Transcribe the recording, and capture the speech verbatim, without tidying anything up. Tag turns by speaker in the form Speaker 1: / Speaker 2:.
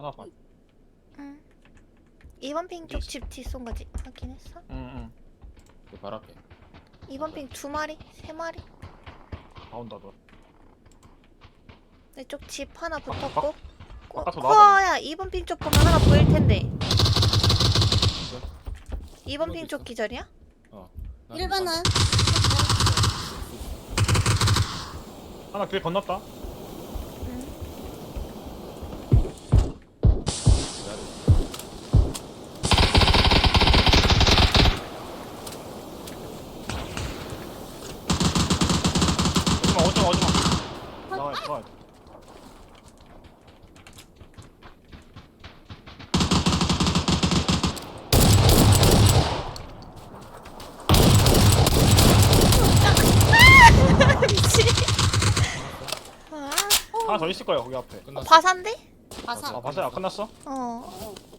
Speaker 1: 하나 봐.
Speaker 2: 응. 이 번 핑 쪽 집 뒷손 거지 확인했어?
Speaker 1: 응응. 그 발 앞에.
Speaker 2: 이 번 핑 두 마리? 세 마리?
Speaker 1: 다 온다 너.
Speaker 2: 내 쪽 집 하나
Speaker 1: 바-
Speaker 2: 붙었고. 코-
Speaker 1: 바깥으로 나와봐.
Speaker 2: 코어야 이 번 핑 쪽 보면 하나 보일 텐데. 이 번 핑 쪽
Speaker 3: 있어?
Speaker 2: 기절이야?
Speaker 1: 어.
Speaker 4: 일 번은
Speaker 1: 하나 길 건넜다.
Speaker 2: 응.
Speaker 1: 오지마 오지마 오지마. 나와 나와.
Speaker 2: 미치. 아,
Speaker 1: 하나 더 있을 거야 거기 앞에.
Speaker 3: 끝났어.
Speaker 2: 과산데?
Speaker 4: 바사.
Speaker 1: 아 바사야 끝났어?
Speaker 2: 어.